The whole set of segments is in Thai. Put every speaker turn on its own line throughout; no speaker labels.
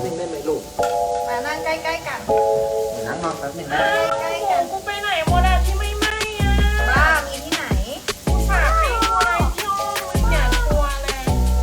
นึงได้ไหมลูก
มานั่งใกล้ๆกัน
เดี๋ยวนั่งนอนแป๊บนึงนะ
ใกล้ๆกัน
กูไปไหนโมดาที่ไม่ไหม้อ่ะ
บ้ามีที่ไหน
กูฝากไปกลัวที่ห้องมึงอย่ากลัวเลย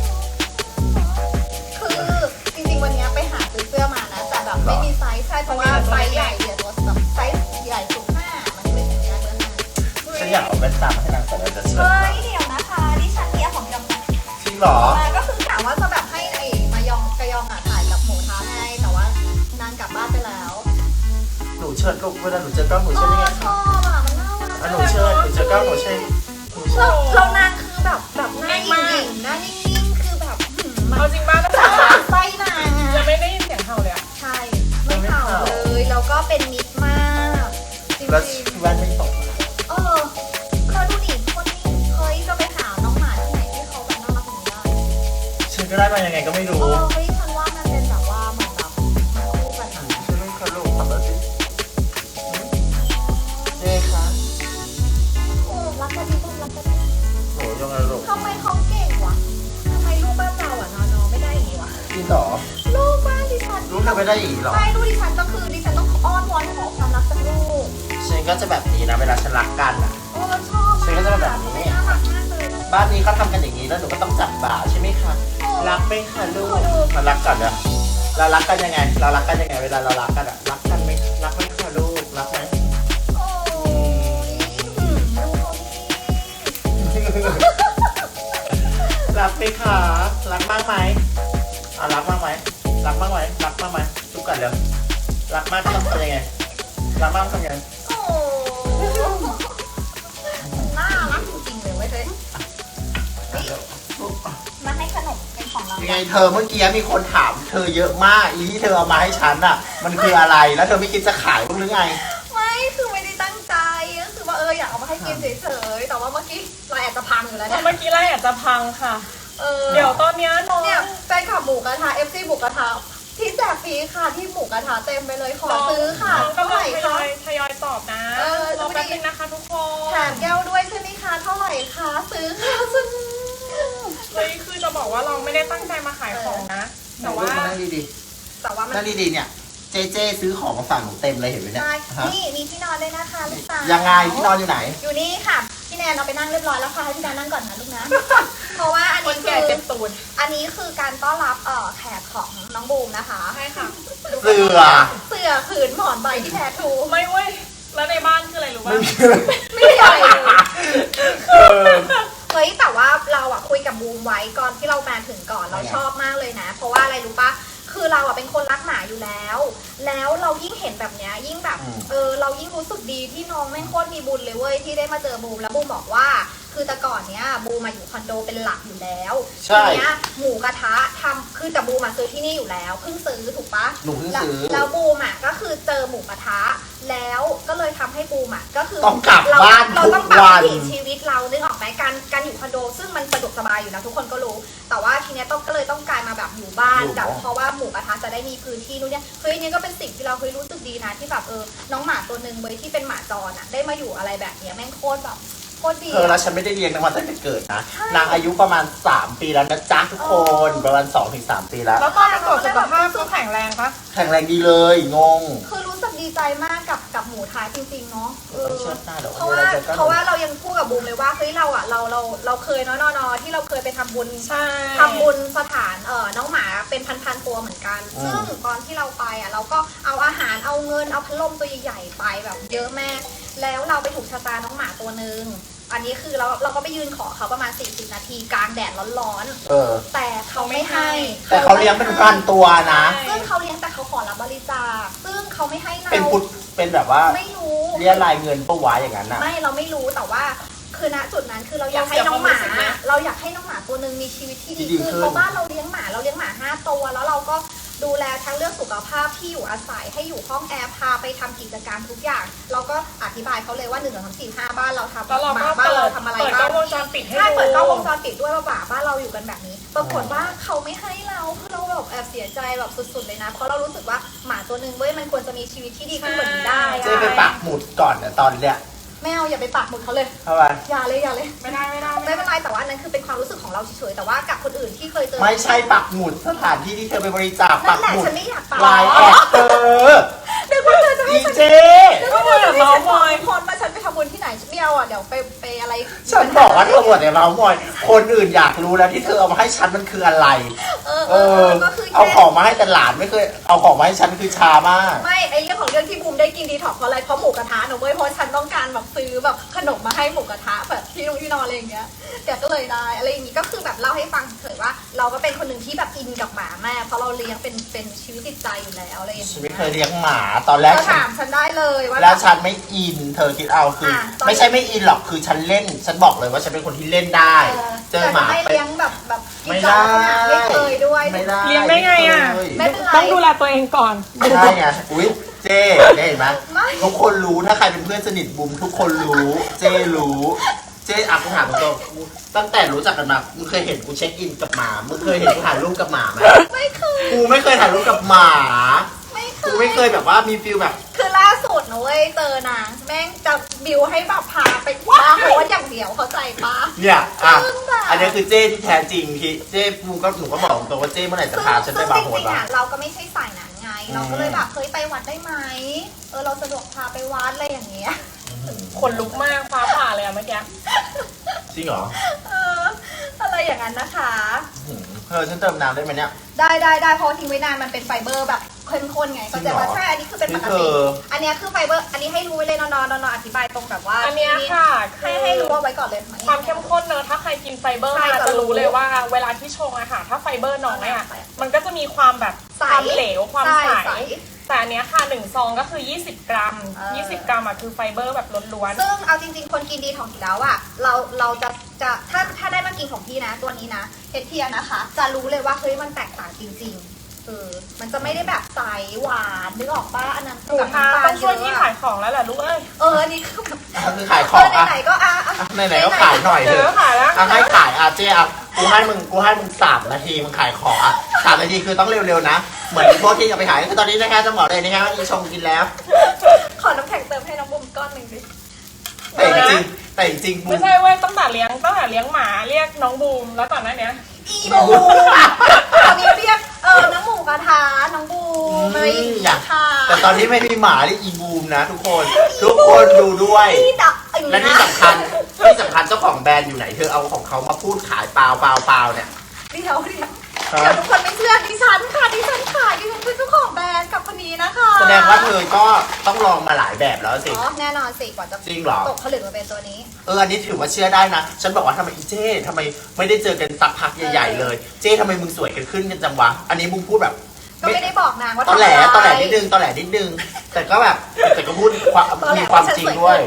คือจริงๆวันนี้ไปหาซื้อเสื้อมานะแต่แบบไม่มีไซส์ใช่เพราะว่าไซส์ใหญ่เดี๋ยวตัวแบบไซส์ใหญ่สุด5มันก็เลยใส่ไม่ได้เบอร์5
ฉันอยากเอาแว่นตามาให้นางใส่แล้วจะเชิญ
เฮ้ยเดี๋ยวนะคะดิฉันเนี่ยของยอง
จริงเหรอ
ก็คือถามว่าจะแบบให้ไอ้มายองกะยองอ่ะถ่ายกับหมูท้าให้แต่ว่านางกลับบ้านไปแล้ว
หนูเชิญลูกเวลาหนูเจอกล้องหนูเชิญยังไง
ชอบอ่ะมันน่ารัก
หนูเชิญหนูเจอกล้องหนูเชิญ
เรานางคือแบบหน้าหยิ่งๆหน้านิ่งๆคือแบบ
เอาจริงบ้างนะ
ไส้นาง
จะไม่ได้ยินเสียงเห่าเลยอ่ะ
ใช่ไม่เห่าเลยแล้วก็เป็นมิตรมากจริง
ๆแว่นไม่ตก
เราดูดิคนนี้เคยจะไปหาน้องหมาที่ไหนที่เขาแบบน่ารักอย่างนี้ได้
ฉันก็ได้มายังไงก็ไม่รู้
เฮ้ยฉันว่ามันเป็นแบบว่าเหมือนแบบมาคู่กันนะ
ฉันไม่เคยลูกทำแบบนี้เจ๊คะ
รักกันดีปุ๊บรักกันดี
โหยังไงลูก
ทำไมเขาเก่งวะทำไมลูกบ้านเราอ่ะนอนไม่ได้อย่างนี้วะ
จริงเหรอ
ลูกบ้านดิฉัน
ลูกทำไม่ได้อีกหรอ
ใช่ลูกดิฉันก็คือดิฉันต้องอ้อนวอนขอความรักจากลูก
ฉันก็จะแบบนี้นะเวลาฉันรักกันอ่ะ
ชอบ
ฉันก็จะแบบนี้
น่ารักมากเลย
บ้านนี้เขาทำกันอย่างนี้แล้วหนูก็ต้องจับบ่าใช่ไหมคะรักไหมคะลูกมารักกันนะเรารักกันยังไงเวลาเรารักกันอ่ะรักกันไหมรักไหมคะลูกรักไหมรักไหมคะรักมากไหมรักมากไหมรักมากไหมรักมากไหมทุกกันเลยรักมากต้องทำยังไงรักมากทำยังไง
น่ารักจริงๆเลยเว้ยเธอมาให้ขนมเป็นของเรา
ยังไงเธอเมื่อกี้มีคนถามเธอเยอะมากอีที่เธอเอามาให้ฉันอ่ะมันคืออะไรแล้วเธอไม่คิดจะขายบ้างหรือไง
ไม่คือไม่ได้ตั้งใจก็คือว่าอยากเอามาให้กินเฉยๆแต่ว่าเมื่อกี้เราแอบจะพังอยู่แล้วเนี่ย
เมื่อกี้เราแอบจะพังค่ะเดี๋ยวตอนนี้น้อง
เนี่ยแฟนคลับหมูกระทะ FC หมูกระทะที่แจกฟรีค่ะที่หมูกระทะเต็มไปเลยขอซื้อค่ะ
เท่าไหร่คะทยอยตอบนะรอแป๊บนึงนะคะทุกคน
แถมแก้วด้วยใช่ไหมคะเท่าไหร่คะซื้อค่ะซื้อ
เฮ้ยคือจะบอกว่าเราไม่ได้ตั้งใจมาขายของนะแต่ว่า
นั่งดีๆนั่งดีๆเนี่ยเจ๊ซื้อของมาฝากหนูเต็มเลยเห็นไหมเนี่ย
นี่มีที่นอนด้วยนะคะลูกสาว
ยังไงที่นอนอยู่ไหน
อยู่นี่ค่ะพี่แนนเอาไปนั่งเรียบร้อยแล้วค่ะให้พี่แนนนั่งก่อนนะลูกนะเพราะว่าอันนี้คืออันนี้คือการต้อนรับแขกของน้องบูมนะคะ
ใช่ค่ะ
เสือ
ผืนหมอนใบที่แท้ทู
ไม่เว้ยแล้วในบ้านคืออะไรรู้ป่ะ
ไม่ใหญ่เฮ้ยแต่ว่าเราอะคุยกับบูมไว้ก่อนที่เรามาถึงก่อนเราชอบมากเลยนะเพราะว่าอะไรรู้ปะคือเราอะเป็นคนรักหมาอยู่แล้วเรายิ่งเห็นแบบเนี้ยยิ่งแบบเรายิ่งรู้สึกดีที่น้องแม่งโคตรมีบุญเลยเว้ยที่ได้มาเจอบูมแล้วบูมบอกว่าคือแต่ก่อนเนี้ยบูมมาอยู่คอนโดเป็นหลักอยู่แล้วทีเนี้ยหมูกระทะทำคือแต่บูมมาซื้อที่นี่อยู่แล้วเพิ่งซื้อถูกปะ
หนูเพิ่งซื้อ
แล้วบูมอะก็คือเจอหมูกระทะแล้วก็เลยทำให้บูมอะก็คือ
ต้องกลับบ้าน
เรา
ทุ
ต้อง
กวัน
ชีวิตเรานึกออกไหมการอยู่คอนโดซึ่งมันสะดวกสบายอยู่นะทุกคนก็รู้แต่ว่าทีเนี้ยก็เลยต้องกลายมาแบบอยู่บ้านแบบเพราะว่าหมูกระทะจะได้มีพื้นที่นู้นเนี่ยเฮ้ยนี่ก็เป็นสิ่งที่เราเคยรู้สึกดีนะที่แบบน้องหมาตัวนึงเว้ยที่เป็นหมาจรอะได้มาอยู่อะไรแบบเนี้ยแม่งโคตรแบบโคตรดี
แล้วฉันไม่ได้เลี้ยงนางมาตั้งแต่เกิดนะนางอายุประมาณ3 ปีแล้วนะจ๊ะทุกคนประมาณ2-3 ปีแล้ว
แล้วตอนประกอบสุขภาพคือแข็งแรงปะ
แข็งแรงดีเลยงง
คือรู้สึกดีใจมากกับหมูท้ายจริงๆเนาะ
เพ
ราะว่าเรายังพูดกับบูมเลยว่าเฮ้ยเราเคยนอที่เราเคยไปทำบุญสถานน้องหมาเป็นพันตัวเหมือนกันซึ่งตอนที่เราไปเราก็เอาอาหารเอาเงินเอาพัดลมตัวใหญ่ๆไปแบบเยอะแม่แล้วเราไปถูกชะตาน้องหมาตัวนึงอันนี้คือเราก็ไปยืนขอเขาประมาณ40 นาทีกลางแดดร้อนๆแต่เขาไม่ให้
แต่เขาเลี้ยงเป็นพันตัวนะ
ซึ่งเขาเลี้ยงแต่เขาขอรับบริจาคซึ่งเขาไม่ให้เรา
เป็นแบบว่า
ไม่รู้
เรียรายเงินปะวะอย่างนั้นนะ
ไม่เราไม่รู้แต่ว่าคือณจุดนั้นคือเราอยากให้น้องหมาตัวนึงมีชีวิตที่ดีขึ้นเพราะบ้านเราเลี้ยงหมา5 ตัวแล้วเราก็ดูแลทั้งเรื่องสุขภาพที่อยู่อาศัยให้อยู่ห้องแอร์พาไปทำกิจกรรมทุกอย่างเราก็อธิบายเขาเลยว่า1 2 3 4 5บ้านเราทำหมาบ้านเราทำอะไรบ้าง
เปิดกล้องวงจรปิดให้
เปิดกล้องวงจรปิดด้วยว่าบ้านเราอยู่กันแบบนี้ปรากฏว่าเขาไม่ให้เราคือเราแบบแอบเสียใจแบบสุดๆเลยนะเพราะเรารู้สึกว่าหมาตัวนึงเว้ยมันควรจะมีชีวิตที่ดีขึ้นกว่านี้ได้
เจ๊ไปปักหมุดก่อนตอนเนี้ย
ไม่เอาอย่าไปปักหมุดเขาเลย
ทำไม
อย่าเลยอย่าเลย
ไม่ได้
ไม่เป็นไรแต่ว่าอันนั้นคือเป็นความรู้สึกของเราเฉยๆแต่ว่ากับคนอื่นที่เคยเจอ
ไม่ใช่ปักหมุดสถานที่ที่เธอไปบริจาค
นั่
ปั
น
ก
แหละ
หมุด
ฉันไม่อยากปัก
ลายแอดเธอ
เดี๋ยวเธอจะให้
ดี
ฉัน
เจ
ก็เธอจะให้ฉันบอกคนมาฉันไปทำบุญที่ไหนฉันไม่เอาอ่ะเดี๋ยวไปอะไร
ฉันบอกว่าเธอหมดแต่เราหมดคนอื่นอยากรู้แล้วที่เธอเอามาให้ฉันมันคืออะไร
ก็คือ
เอาของมาให้แต่หลานไม่เคยเอาของมาให้ฉันคือชามาก
ไม่ไอเรื่องของเรื่องที่บูมได้กินดีท็อกเพราะอะไรเพราะหมูกระทะหนูเว้ยเพราะฉันต้องการแบบซื้อแบบขนมมาให้หมูกระทะแบบที่นอนอะไรอย่างเงี้ยแกก็เลยได้อะไรอย่างงี้ก็คือแบบเล่าให้ฟังเฉยว่าเราก็เป็นคนหนึ่งที่แบบอินกับหมาแม่เพราะเราเลี้ยงเป็นชีวิตจิตใจอยู่แล้วอะไรอย่าง
ฉัน
เงี้ย
ไม่เคยเลี้ยงหมาตอนแรก
เธอถามฉันได้เลยว่า
แล้วฉันไม่อิน เธอคิดเอาคือ
ตอน
ไม่ใช่ไม่อินหรอกคือฉันเล่น ฉันบอกเลยว่าฉันเป็นคนที่เล่นได้ เจอหมา
แต่ไม่
ไป
เลี้ยงแบบกิ
ไม่
นจอ
ได้
นไม่เคยด้วย
ไม่ได้
เลี้ยงได้ไงอ่ะ
ไม่เป็นไร
ต้องดูแลตัวเองก่อน
ไม่ได้ไงอุ้ยเจ๊ได้เห็นไหม
ไม่
ทุกคนรู้ถ้าใครเป็นเพื่อนสนิทบุมทุกคนรู้ เจ๊รู้ เจ๊กูถามตรงๆตั้งแต่รู้จักกันมามึงเคยเห็นกูเช็คอินกับหมามึงเคยเห็นกูถ่ายรูปกับหมาไหม
ไม่เคย
กูไม่เคยถ่ายรูปกับหมา กูไม่เคยแบบว่ามีฟิลแบบ
คือล่าสุดนะเว้ยเจอนางแม่งจะบิวให้แบบพาไปบาร์โฮสอย่างเดียวเข้าใจปะ
เนี่ยอ่ะ
ซึ่งแบบ
อันนี้คือเจ้ที่แท้จริงที่เจ้หนูก็บอกตรงว่าเจ้เมื่อไหร่จะพาฉันไปบาร์โฮ
ซึ่
ส
งจริงๆ
วะ
อ่ะเราก็ไม่ใช่สายนั้นไง เราก็เลย
อืม
แบบเฮ้ยไปวัดได้ไหมเราสะดวกพาไปวัดอะไรอย่างเงี้ย
ขนลุกมากฟ้าผ่าเลยอะเมื่อกี้
จริงเหรอ
เอออะไรอย่างนั้นนะคะ
เธอฉันเติมน้ำได้ไหมเนี่ย
ได้เพราะทิ้งไว้นานมันเป็นไฟเบอร์แบบเข้มข้นไง
จริ
ก็
งเหร
จะ
อ
ว่าใช่อันนี้คือเป็นปก
นี่
ติ
คือ
อันเนี้ยคือไฟเบอร์อันนี้ให้รู้ไว้เลยนอนอธิบายตรงแบบว่า
อันเนี้ยค่ะคื
ให้
อ
รู้ว่าไว้ก่อนเลย
ความเข้มข้นเนอะถ้าใครกินไฟเบอร์
ใช่
มา
จะ
จะ
รู้
รู้เลยว่าเวลาที่ชงอะค่ะถ้าไฟเบอร์น้อยอะมันก็จะมีความแบบ
ใส
ความเหลวความ
ใช่
ใส
ใส
แต่อันเนี้ยค่ะ1ซองก็คือ20 กรัม
เออ
20 กรัมอะคือไฟเบอร์แบบล้วน
ซึ่งเอาจริงๆ คนกินดีของอยู่แล้วอะเราจะถ้าได้มากินของพี่นะ ตัวนี้นะเฮดเทียนะคะ จะรู้เลยว่าเฮ้ยมันแตกต่างจริงๆมันจะไม่ได้แบบใสหวานนึกออกป่ะอันนั้น
ๆหนู
กับ
คะ
น้ำตา
ต้
ล
อง
เย
ช่วย
อะ
ที่
อะ
ขายของแล้วแหละลูกเอ้ย
อันนี้คือแบบ
คือขายของอ่ะ
ไหนๆก็
ไหนๆก็ขายหน่อยเถ
เจอ
อะ
ขายแล้ว
อ่ะให้ขายอ่ะเจ๊อ่ะกูให้มึง3 นาทีมึงขายของอ่ะ3 นาทีคือต้องเร็วๆนะ เหมือนพวกที่จะไปขายคือตอนนี้นะคะจะบอกเลยนะคะว่าอีชงกินแล้ว
ขอน้ำแข็งเติมให้น้องบุ้มก้อนหนึ่งดิ
แต่จริงบู
ไม่
ม
ใช่เว้ยตั้งแต่เลี้ยงหมาเรียกน้องบูมแล้วก่อนหน้าเนี้ย
อีบูตอนนี้เรียกน้องหมูกระทะน้องบูมอะไรอย่างเงี้ยค่ะ
แต่ตอนนี้ไม่มีหมาที่อีบูมนะ ทุกคนดูด้วย
พี่ดัก
และที่สำคัญเจ้าของแบรนด์อยู่ไหนเธอเอาของเขามาพูดขายเปล่าเนี่ย
เดี๋ยวทุกคนไม่เชื่อดิฉันค่ะดิฉันขายดิฉันคือเจ้าของแบรนด์กับคนนี้นะคะ
แสดงว่าเธอก็ต้องลองมาหลายแบบแล้วสิ
อ๋อแน่นอนสิกว่าจะ
จริงเหรอ
ตกผลึกมาเป็นตัวนี้
อันนี้ถือว่าเชื่อได้นะ ฉันบอกว่าทำไมอีเจ้ทำไมไม่ได้เจอกันสักพักใหญ่ๆเลย เจ้ทำไมมึงสวยกันขึ้นกันจังวะ อันนี้มึงพูดแบบ
ก็ไม่ได้บอกนางว่า
ตอแหล
ทำอะไร
นิดนึงแต่ก็แบบแต่ก็พูดมีความจริงด้วย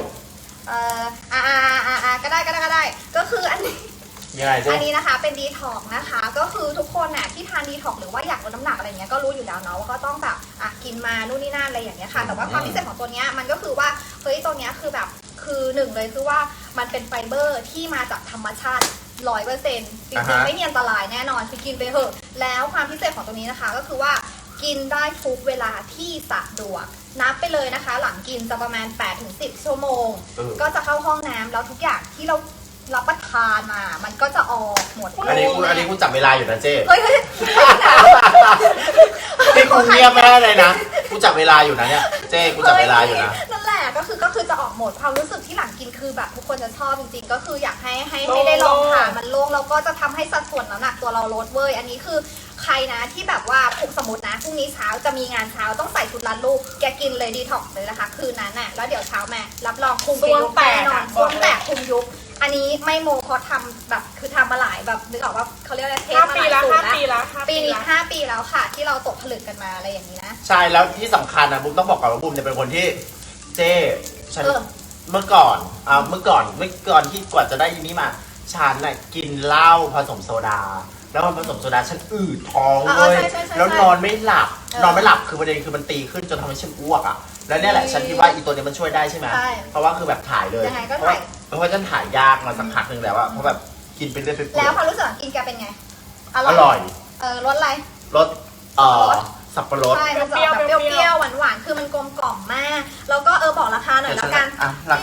ก็ได้ก็คืออันนี้
ยังไงเจ้
อันนี้นะคะเป็นดีท็อกนะคะ ก็คือทุกคนน่ะที่ทานดีท็อกหรือว่าอยากลดน้ำหนักอะไรเงี้ยก็รู้อยู่แล้วเนาะว่าก็ต้องแบบกินมานู่นนี่นั่นอะไรอย่างเงี้ยค่ะแต่ว่าความพิเศษของตัวเนี้ยมันก็คือว่าเฮ้ยตัวเนี้ยคือแบบคือหนึ่งเลยคือว่ามันเป็นไฟเบอร์ที่มาจากธรรมชาติ100%จริงๆไม่มีอันตรายแน่นอนคือกินไปเถอะแล้วความพิเศษของตัวนี้นะคะก็คือว่ากินได้ทุกเวลาที่สะดวกนับไปเลยนะคะ หลังกินจะประมาณ 8-10 ชั่วโมง ก็จะเข้าห้องน้ำแล้วทุกอย่างที่เรารับประทานมามันก็จะออกหมด
อันนี้กูจับเวลาอยู่นะเจ้
เฮ้ย
นี่กูเงียบไม่ได้เลยนะกูจับเวลาอยู่นะเนี่ยเจ้กูจับเวลาอยู่นะ
นั่นแหละก็คือจะออกหมดความรู้สึกที่หลังกินคือแบบทุกคนจะชอบจริงๆก็คืออยากให้ได้ลองทานมันโล่งแล้วก็จะทำให้สัดส่วนน้ำหนักตัวเราลดเว้ยอันนี้คือใครนะที่แบบว่าสมมตินะพรุ่งนี้เช้าจะมีงานเช้าต้องใส่ชุดรัดรูปแกกินเลยดีท็อกเลยนะคะคืนนั้นน่ะแล้วเดี๋ยวเช้ามารับรองคุมไปยุบแน่นอนช่วงแตกคุมยุบอันนี้ไม่โมเพราะทำแบบคือทำมาหลายแบบนึกออกว่าเขาเรียกอะไรเทสมาหลายสูตรแล้วปีนี้5 ปีแล้วค่ะที่เราตกผลึกกันมาอะไรอย่างนี้นะ
ใช่แล้วที่สำคัญนะบุ้มต้องบอกก่อนว่าบุ้มเนี่ยเป็นคนที่เจ้ฉัน เมื่อก่อนที่กว่าจะได้ยินนี้มาฉันน่ะกินเหล้าผสมโซดา แล้วมันผสมโซดาฉันอืดท้องเลยแล้วนอนไม่หลับคือประเด็นคือมันตีขึ้นจนทำให้ฉันอ้วกอ่ะแล้วเนี่ยแหละฉันคิดว่าอีตัวนี้มันช่วยได้ใช่ไหมเพราะว่าคือแบบถ่ายเลย
ยังไงก็ถ่าย
เพราะว่าฉันถ่ายยากมาสักพักหนึ่งแล้วอะเพราะแบบกินไปเรื่อยๆ
แล้วความรู้สึกกินแกเป็นไง
อร่อย
รสอะไร
รสสับปะรด
ใช่ มันจะออกแบบเปรี้ยวๆหวานๆคือมันกลมกล่อมมากแล้วก็บอกราคาหน่อยแล้วกัน
ราคา
พี่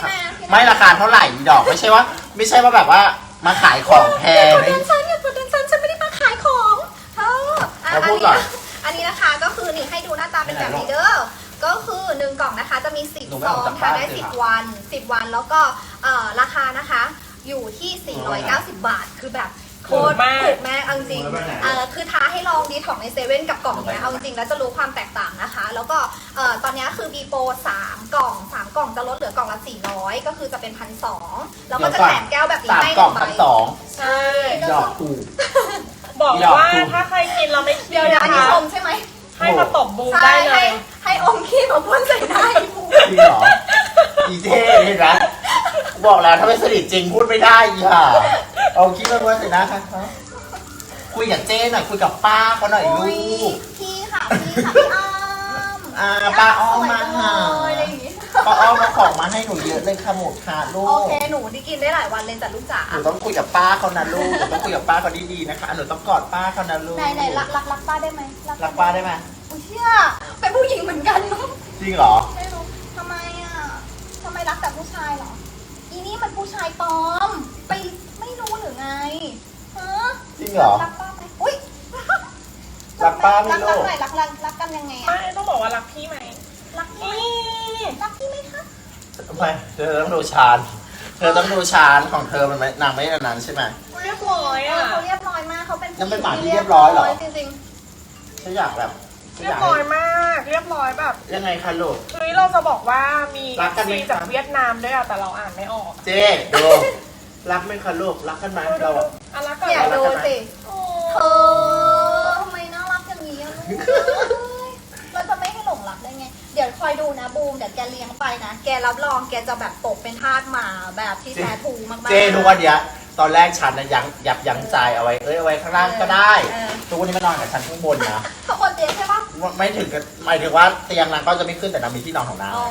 ไม่ราคาเท่าไหร่อีดอกไม่ใช่ว่าแบบว่ามาขายของแพง
อย่าเปิดดันซันฉันไม่ได้มาขายของเธออ่ะ
เราพูดก่อน
อันนี้นะคะก็คือนี่ให้ดูหน้าตาเป็นแบบนี้เด้อก็คือ1กล่องนะคะจะมี10
หนู
ซ
ไม่
อ
ออก
ง
จาก
ค่ะ
บ้าน
ได้
เลยค่ะ
10 วันแล้วก็ราคานะคะอยู่ที่490 บาทคือแบบโคตรถูกแม่เอาจริงคือท้าให้ลองดีท็อกในเซเว่นกับกล่องเนี้ยเอาจริงแล้วจะรู้ความแตกต่างนะคะ แล้วก็ตอนนี้คือมีโปร3 กล่อง 3 กล่องจะลดเหลือกล่องละ400ก็คือจะเป็น1,200แล้วก็จะแถมแก้วแบบนี้
สาม
ให้
กล่อง
1 ใบ
1,200
ใช่
ดอกถูก
บอก
หยอก
ว่า
ถูก
ถ้าใครกินเราไม่เครี
เดี๋
ย
ยว
ด
เดี๋ยวอันนี้
นะ
ช
คะ
มใช่ไหม
ให้มาตบบูม
ใช่
ได้เลย
ให้อมขี้มาพ่นใส่หน้าอีบู
จริงเหรออีเท่เห็นไหมบอกแล้วถ้าไม่สนิทจริงพูดไม่ได้อีห่าเอาคิดมาว่าสินะคะคุยกับเจ้หน่อยคุยกับป้าเขาหน่อยลูก
พี่ค่ะพี่อ้อม
ป้าอ้อมมาหา
อะไรอย่างงี้
ป้าอ้อมมาของมาให้หนูเยอะเลยค่ะหมดค่ะลู
โอก เคหนูที่กินได้หลายวันเลยแต่ลูกจ๋า
หนูต้องคุยกับป้าเขานะลูกหนูต้องคุยกับป้าเขาดีๆนะคะหนูต้องกอดป้าเขานะลูก
ไหนรักป้าได้ไหม
รักป้าได้ไหม
อุ้ยเชี่ยเป็นผู้หญิงเหมือนกันเนาะ
จริงเหรอ
ไม่รู้ทำไมรักแต่ผู้ชายเหรออีนี่มันผู้ชายปลอมไปไม่รู้หรือไงฮะ
จริงเหรอ
รักป้าไหมอุ้ย
รักป้าไหมลูก
รักหน่อยรักกันยังไง
ไม่ต้องบอกว่ารักพี่ไหม
รักพี่รักพี่ไหมคะ
ไม่เธอต้องดูชานเธอต้องดูชานของเธอมันไม่นางไม่อันนั้นใช่ไหม
เรียบร้อยอ่ะ
เขาเรียบร้อยมากเขาเป็น
ยังเป็นหมาที่เรียบร้อยเหรอ
จริง
ฉันอยากแบบฉัน
เรี
อย ยาก
บร้อย
ให้
มาก เรียบร้อยแบบ
ยังไงคะลูก
เฮ้ยเราจะบอกว่ามี
รักกันไหม
ซีจากเวียดนามด้วยอะแต่เราอ่านไม่ออก
เจ๊ดูรักไหมคะลูกรักกันไหมเราอะ
อันละ
ๆ
ก่อน
อย่า
เรา
ดู
จะ
สิ
โอ้
เธอทำไมน่ารักอย่างนี้อะลูกเราจะไม่ให้หลงรักได้ไง เดี๋ยวคอยดูนะบูมเดี๋ยวแกเลี้ยงไปนะแกรับรองแกจะแบบตกเป็นทาสหมาแบบที่แท้ทรูมากๆ
เจ๊ทุกวันเนี้ยตอนแรกฉันนะยั้งใจเอาไว้เอาไว้ข้างล่างก็ได้
เออ
ทุกวันนี้มานอนกับฉันข้างบนนะ
เขาคนเตียงใช่ปะ
ไม่ถึงกับหมายถึงว่าเตียงนางก็จะไม่ขึ้นแต่นางมีที่นอนของนาง
อ๋อน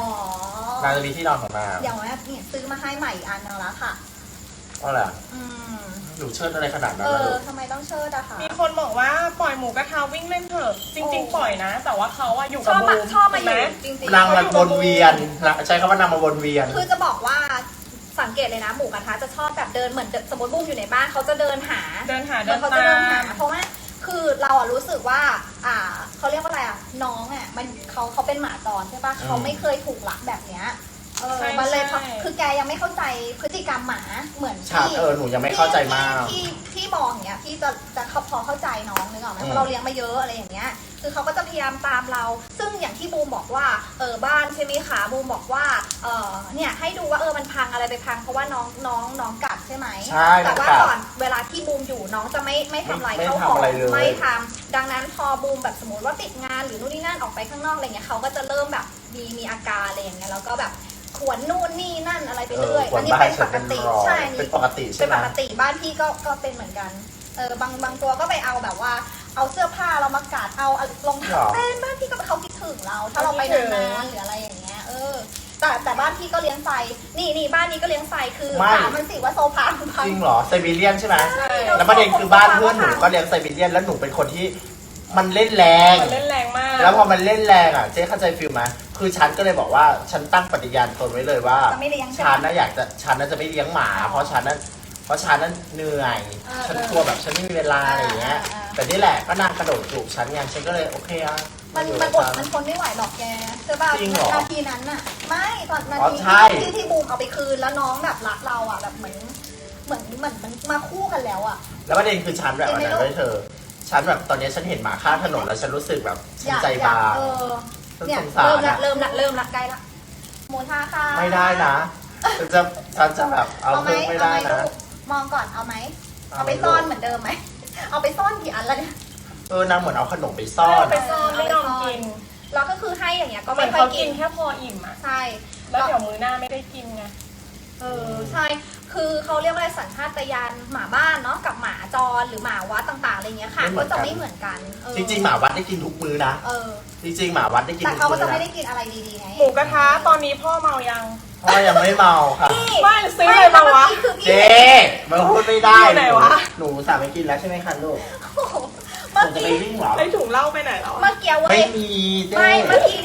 างจะมีที่นอนของนาง
อย่างว่าเนี่ยซื้อมาให้ใหม่อีกอันนึงแล้วค่ะ
ว่าอะไร
อืม
หนูเชิดอะไรขนาดนั้น
เอ
นะ
อ
ลูก
ทำไมต้องเชิดอะคะ
มีคนบอกว่าปล่อยหมูกระทะวิ่งเล่นเถอะจริง ๆ ปล่อยนะ แต่ว่าเขาอะอยู่
ช
กับ
อบ
บู
มาม ชอบมา
ถูก
อ
ไหม
ยู่จริงๆ
นางมันวนเวียนใช้คำว่านางมาวนเวียน
คือจะบอกว่าสังเกตเลยนะหมูกระทะจะชอบแบบเดินเหมือนสมมติบุ้มอยู่ในบ้านเขาจะเดินหา
เดินหา
เหมื
เดิ
อน
น
เขาจะ
ตา
เดินหาม เพราะว่าคือเราอะรู้สึกว่าเขาเรียกว่าอะไรอะน้องอะมันเขาเป็นหมาจรใช่ปะเขาไม่เคยถูกลักแบบเนี้ยมันเลยคือแกยังไม่เข้าใจพฤติกรรมหมาเหมือน
ฉาก
ที่
หนูยังไม่เข้าใจมาก
ที่มองอย่างเงี้ยพี่จะพอเข้าใจน้องนึกออกไหมเพราะเราเลี้ยงมาเยอะอะไรอย่างเงี้ยคือเขาก็จะพยายามตามเรา ซึ่งอย่างที่บูมบอกว่าบ้านใช่ไหมคะบูมบอกว่าเนี่ยให้ดูว่ามันพังอะไรไปพังเพราะว่าน้องกัดใช่ไหม
ใช่
แต่ว่า
กัด
ก่อนเวลาที่บูมอยู่น้องจะไม่ทำอะไร
ไม่
เข้า
ทำ
ของ
อะไรเลย
ไม่ทำดังนั้นพอบูมแบบสมมติว่าติดงานหรือนู่นนี่นั่นออกไปข้างนอกอะไรเงี้ยเขาก็จะเริ่มแบบมีอาการอะไรอย่างเงี้ยแล้วก็แบบขวนนู่นนี่นั่นอะไรไปเรื่อย
ขว
อั
น
นนี้
บ้า
เป็น น
ฉั
ป
น
ก
เป็น
ติ
รอย
ใช่
เป็นปกติ
เป็
ใช่
น
ไหม
ปกติบ้านพี่ก็เป็นเหมือนกันบางตัวก็ไปเอาแบบว่าเอาเสื้อผ้าเรามากัดเอารองเท้าเต้นบ้านพี่ก็เขาคิดถึงเราถ้าเราไปนานๆหรืออะไรอย่างเงี้ยแต่บ้านพี่ก็เลี้ยงไฟนี่บ้านนี้ก็เลี้ยงไฟคือถามมันสิว่าโซฟามันพัง
จริงเหรอไซบีเรียนใช่ไหม
ใช่
แล้วประเด็นคือบ้านเพื่อนหนูก็เลี้ยงไซบีเรียนแล้วหนูเป็นคนที่มันเล่นแรง
มันเล่นแรงมาก
แล้วพอมันเล่นแรงอ่ะเจ๊เข้าใจฟิลไหมคือฉันก็เลยบอกว่าฉันตั้งปฏิญาณตนไว้เลยว่า
จะไม่เลี้ยงใช่ไหม
ฉันน่ะฉันน่ะจะไม่เลี้ยงหมา เพราะฉันนั้นเหนื่อย ฉันกลัวแบบฉันไม่มีเวลาอะไรอย่างเงี้ย แต่นี่แหละก็นางกระโดดจูบฉันไงฉันก็เลยโอเคอ่ะ
มัน
อยู่
มัน
กับ
อด
ฉั
มันทนไม่ไหวหรอกแกใช่ป่ะ
จริงเหรอ
นาทีนั้นน่ะไม่ตอนนา
อ๋อ
ที
ใช่
ที่บูมเอาไปคืนแล้วน้องแบบรักเราอ่ะแบบเหมือนมันมาคู่กันแล้วอ่ะ
แล้วประเด็นคือฉันแบบอันนั้นด้วยเธอ ฉันแบบตอนนี้ฉันเห็นหมาข้างถนนแล้วฉันรู้สึกแบบฉันใจบาง ฉัน
เนี่ย
สงสาร
เริ่มละใกล้ละหมูท่าค่ะ
ไม่ได้นะฉันจะแบบเอาเพิ่มไม่ได้นะ
ลูกมองก่อนเอาไหมเอาไปซ่อนเหมือนเดิมไหมเอาไปซ่อนกี่อันแล้วเนี่ย
นางเหมือนเอาขนมไปซ่อน
ไปซ่อนไม่ยอมกิน
แล้วก็คือให้อย่างเงี้ยก็
เหมื
ไม่
อน
ค่อย
เขา
กิ
กิ
น
นแค่พออิ่มอะ
ใช่
แล้วเดี๋ยวมื้อหน้าไม่ได้กินไง
ใช่คือเขาเรียกว่าอะไรสัญชาตญาณหมาบ้านเนาะกับหมาจรหรือหมาวัดต่างๆอะไรเงี้ยค่ะก็จะไม่เหมือนกัน
จริงๆหมาวัดได้กินทุกมื้อนะจริงๆหมาวัดได้กิน
แต่
ทุก
เขาก็
มื้อ
จะไม่
นะ
ได้กินอะไรดีๆไง
หมูกระทะตอนนี้พ่อเมายัง
พ่อยังไม่เมาค่ะ
ไม่ซื้ออะไรมาวะ
คือพี่
เจ๊มาพูดไม่ได้
อยู่ไหนวะ
หนูสั่งไปกินแล้วใช่ไหมคะลูก
เมื่อ
ผมจะไป
กี้
วิ่งเหรอ
ไอถุงเหล้าไปไหนแล้ว
เมื่อกี้เว้
ไม่
ย
มีเจ๊
ไม่เมื่อกี้นี้คือ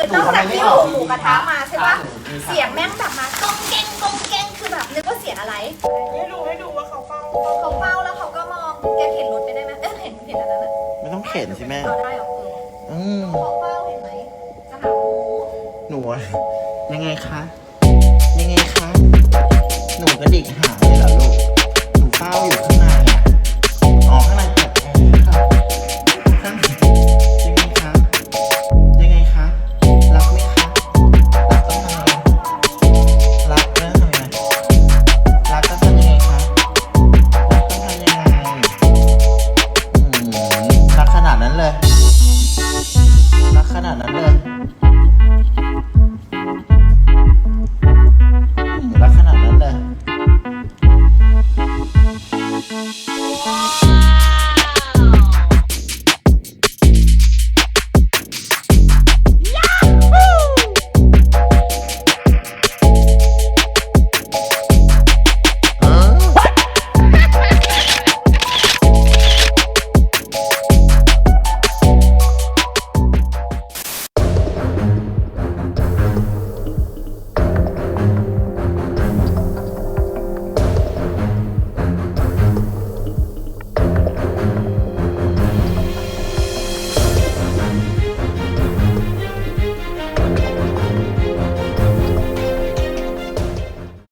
หนู
นอก
ทำไม
จาก
ไม่
ที่
ออก
หมูกระทะมาใช่ปะ
หนูมีค่ะ
เสียงแม่งแบบมากองเก้งกองเก้งคือแบบนึกว่าเสียงอะไร
ให้ดูว่าเขาเฝ้า
เขาเฝ้าแล้วเขาก็มองแกเข็นรถไปได้ไหมเห็นอันนั้นอะ
ไม่ต้องเข็นสิแม่
เอาได้เหรอเขาเฝ้าเห็นไหมจะหาหมู
หนูอะยังไงคะ ยังไงคะ หนูกระดิกหางเลยเหรอลูก หนูเฝ้าอยู่ข้างในอะอ๋อข้างในเปิดแอร์ค่ะข้างในยังไงคะ ยังไงคะ รักไหมคะ รักต้องทำยังไงรักต้องทำยังไงรักต้องทำยังไงคะ รักต้องทำยังไงรักขนาดนั้นเลย รักขนาดนั้นเลย